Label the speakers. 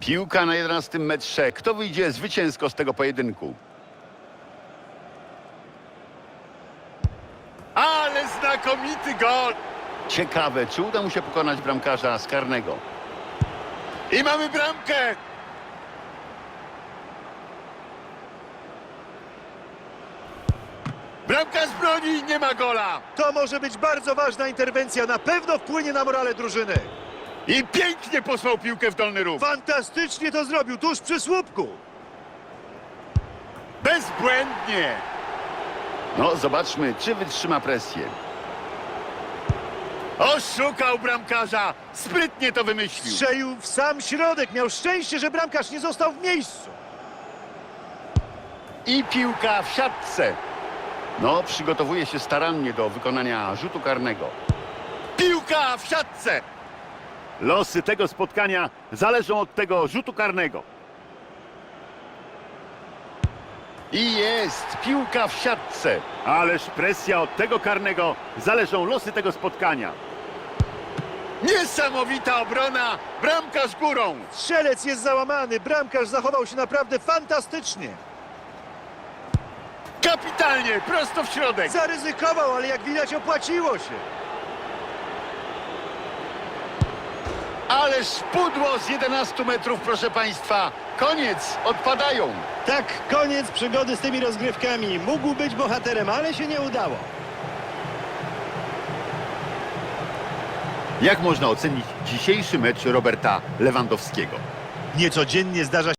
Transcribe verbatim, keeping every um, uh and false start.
Speaker 1: Piłka na jedenastym metrze. Kto wyjdzie zwycięsko z tego pojedynku? Ale znakomity gol! Ciekawe, czy uda mu się pokonać bramkarza z karnego. I mamy bramkę! Bramka z broni, nie ma gola!
Speaker 2: To może być bardzo ważna interwencja, na pewno wpłynie na morale drużyny.
Speaker 1: I pięknie posłał piłkę w dolny róg.
Speaker 2: Fantastycznie to zrobił, tuż przy słupku.
Speaker 1: Bezbłędnie! No, zobaczmy, czy wytrzyma presję. Oszukał bramkarza! Sprytnie to wymyślił.
Speaker 2: Strzelił w sam środek, miał szczęście, że bramkarz nie został w miejscu.
Speaker 1: I piłka w siatce. No, przygotowuje się starannie do wykonania rzutu karnego. Piłka w siatce! Losy tego spotkania zależą od tego rzutu karnego. I jest piłka w siatce. Ależ presja od tego karnego, zależą losy tego spotkania. Niesamowita obrona, bramka z górą.
Speaker 2: Strzelec jest załamany, bramkarz zachował się naprawdę fantastycznie.
Speaker 1: Kapitalnie, prosto w środek.
Speaker 2: Zaryzykował, ale jak widać opłaciło się.
Speaker 1: Ależ pudło z jedenastu metrów, proszę państwa. Koniec, odpadają.
Speaker 3: Tak, koniec przygody z tymi rozgrywkami. Mógł być bohaterem, ale się nie udało.
Speaker 1: Jak można ocenić dzisiejszy mecz Roberta Lewandowskiego?
Speaker 2: Niecodziennie zdarza